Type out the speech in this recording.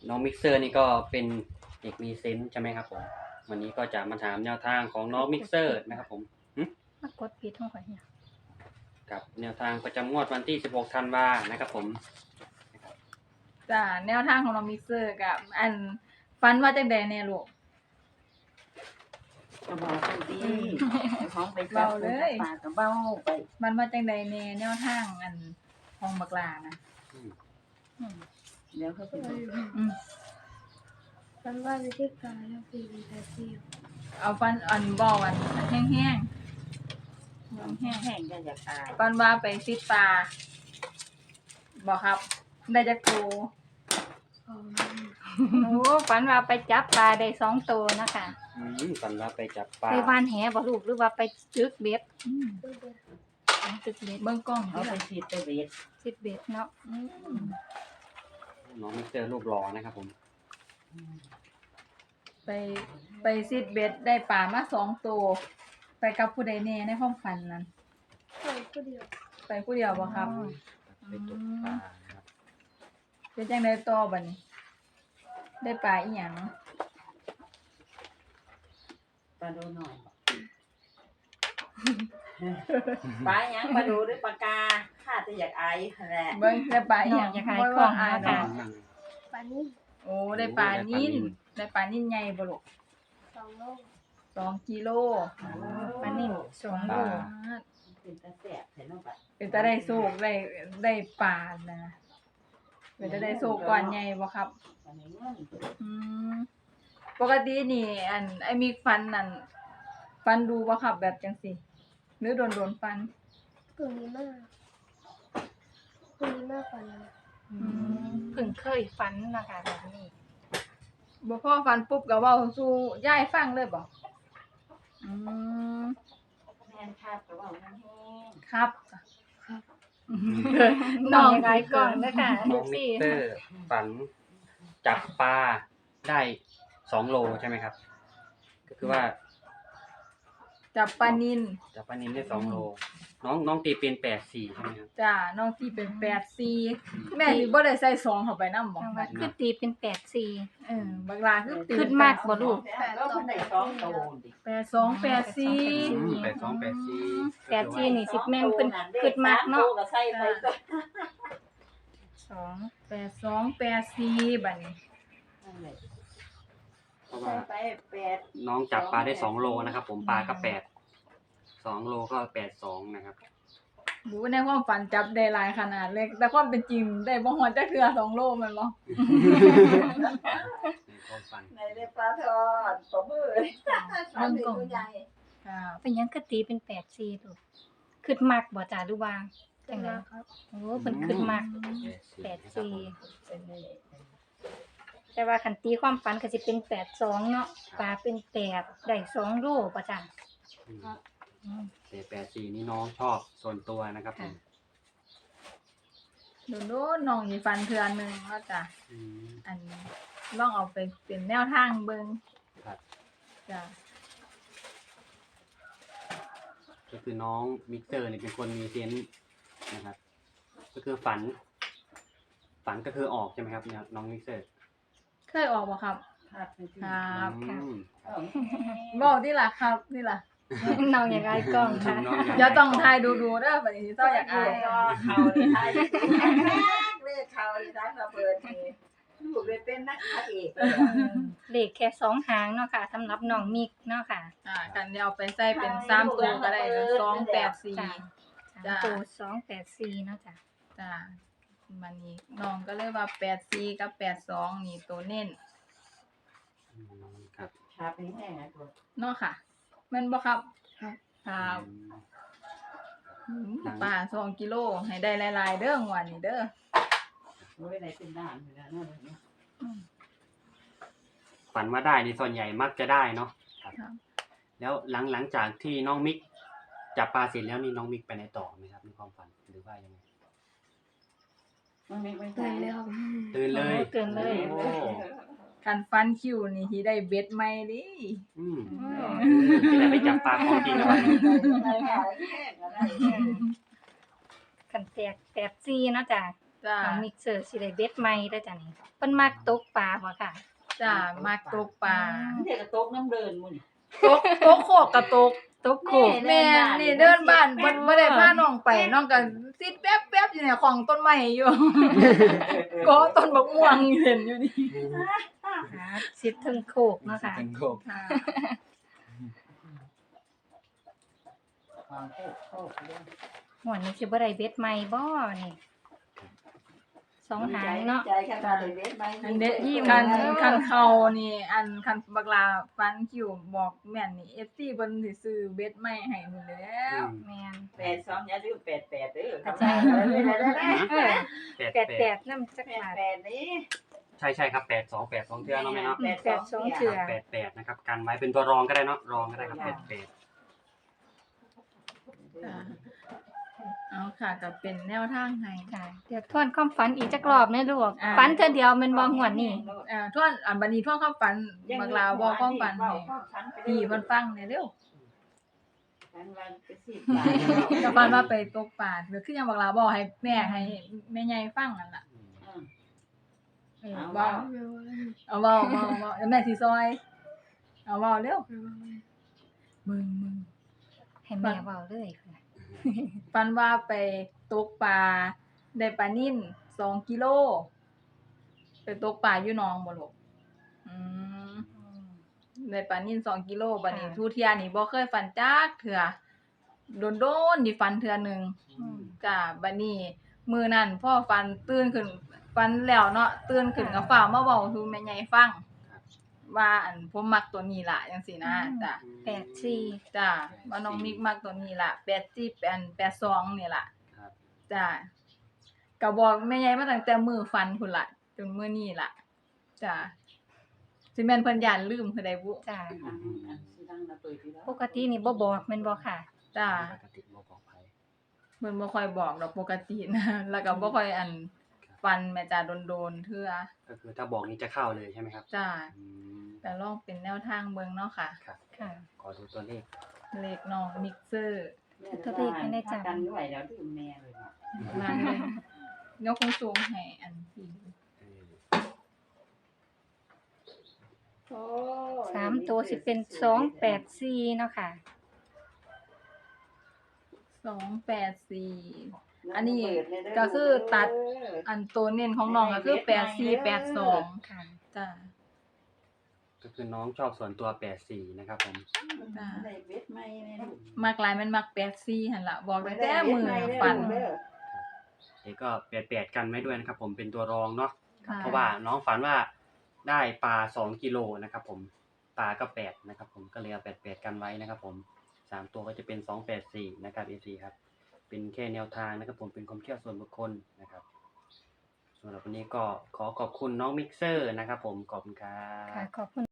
น้องมิกเซอร์นี่ก็เป็นเด็กมีเซนส์ใช่ไหมครับผมวันนี้ก็จะมาถามแนวทางของน้องมิกเซอร์นะครับผมมากดผิดห้องข่อยเนี่ยกับแนวทางประจำงวดวันที่16ธันวานะครับผมจ้าแนวทางของน้องมิกเซอร์กับอันฟันว่าจังใดแน่ลูกก็บอกไปดีของไปเบาเลยปากก็เบาไปมันว่าจังใดแน่แนวทางอันของบักลานะอืมเดี๋ยวเขาไปบอกอืมฉันว่าวิธีการเลือกปีนแต่เที่ยวเอาฟันอันบ่อันแห้งๆแห้งแห้งก็อยากตายๆฟันว่าไปซิดปลาบ่ครับ ได้จักโตของโอ้ฝันว่าไปจับปลาได้2ตัวนะคะฝันว่าไปจับปลาไปวานแหบ่ลูกหรือว่าไปจึกเบ็ดอืมเพื่อนจึกเบ็ดเบิ่งกล้องเอาที่ไปละฉีดไปเบ็ดจึกเบ็ดเนาะน้องมิกเซอร์รูปหล่อนะครับผมไปซิดเบ็ดได้ปลามา2ตัวไปกับผู้ใดแน่ในความฝันนั้นไปผู้เดียวไปผู้เดียวบ่ครับไปตกปลานะครับเป็นจังไดต่อบัดนี้ ได้ปลาอีหยังปลาดูหน่อยปลาหยังปลาดูหรือปลากาข้าจะอยากไอแหละเบิ่งได้ปลาอีหยังอยากให้บ่กล้องอายเนาะเนาะค่ะนั่งปานี่โอ้ได้ปลานิ่นได้ปลานิ่นใหญ่บ่ลูก 2 โล 2กิโลปลานิ่ม2 ปโลลาเป็นตาแสบใส่น้องปลาเป็นตาได้โชคได้ปลานะเป็นตาได้โชคก่อนใหญ่บ่ครับปลาในเงินอืมปกตินี่อันไอ้มีฟันนั่นฟันดูบ่ครับแบบจังซี่หรือโดนฟันกลุ่มนี้มากกลุ่มนี้มากกว่านั้นเพิ่งเคยฝันนะคะแบบนี้บ่พอฟันปุ๊บก็เว้าสู่ยายฟังเลยบ่อืมแม่นครับก็ว่ามันแห้งครับน้องยังไงก่อนนะคะน้องมิกเซอร์ฝันจับปลาได้2โลใช่ไหมครับ ก็คือว่าจับปลานินจับปลานิลได้2โลน้องตีเป็น84ใช่ไหมครับจ้าน้องที่เป็น84แม่นี่บ่ได้ใส่2เข้าไปนำบ่จังว่าคือตีเป็น84 บักลาคือตีขึ้นมากบ่ลูกแล้วมันได้สองโตดิ 82 84 84นี่สิแม่นเพิ่นขึ้นมากเนาะก็ใส่ไปก็ 2 82 84บัดนี้นั่นแหละเพราะใส่ว่าไป8 น้องจับปลาได้2โลนะครับผมปลาก็2โลก็82นะครับรู้ในความฝันจับได้หลายขนาดเล็กแต่ความเป็นจริงได้บ่ฮอดจักเทื่อ2โลแม่นบ่ในความฝันในได้ปลาทอดปลาหมึกมันเป็นตัวใหญ่ครับเป็นหยังคือตีเป็น84ลูกขึ้นมากบ่จ้าหรือว่าจัจังงหได๋วะครับโอ้เพิ่นขึ้นมาก 84 เป็นนี่แต่ว่าคันตีความฝันก็สิเป็น82เนาะปลาเป็น8ได้2โลบ่จ้าแต่84นี่น้องชอบส่วนตัวนะครับผมโดนๆน้องสิฟันเทื่อหนึงว่าจ้ะอืมอันลองเอาไปเป็นแนวทางเบิ่งครับจ้ะก็คือน้องมิกเซอร์นี่เป็นคนมีเซนส์นะครับ ก็คือฝันก็คือออกใช่ไหมครับเนี่ยน้องมิกเซอร์เคยออกบ่ครับครับเป็นที่ครับอืมบอกนี่ล่ะครับนี่ล่ะน้องอยากอายกล้องค่ะน้องอยากอย่าต้องทายดูๆเด้อบัดนี้สิเจ้าอยากอายเขาเลยไทยเลขเขาเลยทั้งระเบิดนี่ลูกเลยเป็นนักเอกเลขแค่2หางเนาะค่ะสำหรับน้องมิกเนาะค่ะกันเดี๋ยวเอาไปใส่เป็น3ตัวก็ได้นะ284 จ้าจ้าตัว284เนาะจ้ะจ้ะมันนี้น้องก็เลยว่า84กับ82นี่ตัวเน้นอืมครับชาเป็นแห้งไงตัวเนาะค่ะแม่นบ่ครับครับ ปลา2กิโลให้ได้หลายๆเด้องวดนี้เด้อโอ้ยไหนเป็นด่านอยู่แล้วนั่นเลยฝันว่าได้ในส่วนใหญ่มักจะได้เนาะครับครับแล้วหลังจากที่น้องมิกจับปลาเสร็จแล้วนี่น้องมิกไปไหนต่อไหมครับในความฝันหรือว่ายังไงมันไม่เป็นตื่นเลยครับตื่นเลยตื่นเลยโอ้คันฟันคิวนี่สิได้เบ็ดใหม่ดิอืมจะได้ไปจับปลาของจริงแล้ววันนี้คันแตก84เนาะจ้ะจ้าน้องมิกเซอร์สิได้เบ็ดใหม่เด้อจ้ะนี่เพิ่นมักตกปลาบ่ค่ะจ้ามักตกปลาเด็กกระตกน้ำเดินมุ่นตกโคกกระตกตกโขกแม่นี่เดินบ้านบ่ได้พาน้องไปน้องก็ซิดแป๊บๆอยู่เนี่ยของต้นไม้อยู่ ก็ต้นบักม่วงเห็นอยู่นี่หาสิถึงโขกเนาะค่ะเป็นโคกค่ะหวนนี้สิบ่ได้เบ็ดใหม่บ่นี่สองหางเนาะใจขนาดเลยเว็บไหมอันเด็ดยิ้มคันเขานี่อันคันบักลาฟันคิวบอกแม่นนี่ FC เพิ่นสิซื้อเบ็ดใหม่ให้หมดแล้วแม่น 82อย่าลืม88เด้อใช่ เออแปด 88นำจักบาท 88นี่ใช่ครับ82เทื่อเนาะแม่เนาะ 82เทื่อ 88นะครับกันไว้เป็นตัวรองก็ได้เนาะรองก็ได้ครับ88 จ้ะเอาค่ะก็เป็นแนวทางให้ค่ะเดี๋ยวทวนความฝันอีกจักรอบนะลูกอ่าฝันเทื่อเดียวแม่นบ่หวนนี่ทวนบัดนี้ทวนความฝันบักลาเว้าความฝันให้พี่เพิ่นฟังหน่อยเร็วฝันว่าไปสิก็ฝันว่าไปตกปลาคือยังบักลาบอกให้แม่ให้แม่ใหญ่ฟังนั่นล่ะเออเว้าเอาเว้าแล้วแม่สิซอยเอาเว้าเร็วมึงให้แม่เว้าเลยค่ะฝันว่าไปตกปลาได้ปลานิ่น2กิโลไปตกปลาอยู่หนองบ่ลูกได้ปลานิ่น2กิโลบัดนี้ทุเที่ยนี่บ่เคยฝันจักเทื่อโดนๆนี่ฝันเทื่อหนึงอืมจ้าบัดนี้มื้อนั้นพ่อฝันตื่นขึ้นฝันแล้วเนาะตื่นขึ้นก็ฟ้าวมาเว้าสู่แม่ใหญ่ฟังว่าอันผมมักตัวนี้ล่ะจังซี่นะจ้ะ 84 จ้าว่าน้องมิกมักตัวนี้ล่ะ82นี่ล่ะครับจ้าก็บอกแม่ใหญ่มาตั้งแต่มื้อฝันพุ่นล่ะจนมื้อนี้ล่ะจ้าสิแม่นเพิ่นย้านลืมคือใดบุจ้ะสิดังระเบิดอยู่แล้วปกตินี่บ่บอกแม่นบ่ค่ะจ้าปกติบ่บอกไผเพิ่นบ่ค่อยบอกดอกปกตินะ แล้วก็บ่ค่อยอันฟันแม่จ้าโดนๆเทื่อก็คือถ้าบอกนี้จะเข้าเลยใช่ไหมครับจ้าอืมแต่ลองเป็นแนวทางเบิ่งเนาะค่ะครับค่ะขอดูตัวเลขเลขน้องมิกเซอร์ตัวเลขให้ได้จำกันด้วยแล้วดื่มแม่เลยเนาะมาเลยยกสูงให้อันที่เออโอ้ 3ตัวสิเป็น284เนาะค่ะ 284 อันนี้ก็คือตัด อันตัวเน้นของน้องก็คือ8482 ค่ะจ้าก็คือน้องชอบส่วนตัว84นะครับผมจ้าได้เว็บใหม่แม่ลูกมักหลายมันมัก84หั่นล่ะบอกตั้งแต่มื้อฝันเด้อเด็กก็88กันไว้ด้วยนะครับผมเป็นตัวรองเนาะค่ะเพราะว่าน้องฝันว่าได้ปลา2กิโลนะครับผมปลาก็8นะครับผมก็เลยเอา88กันไว้นะครับผม3ตัวก็จะเป็น284นะครับ FC ครับเป็นแค่แนวทางนะครับผมเป็นความเชื่อส่วนบุคคลนะครับสำหรับวันนี้ก็ขอขอบคุณน้องมิกเซอร์นะครับผมขอบคุณครัค่ะบขอบคุณ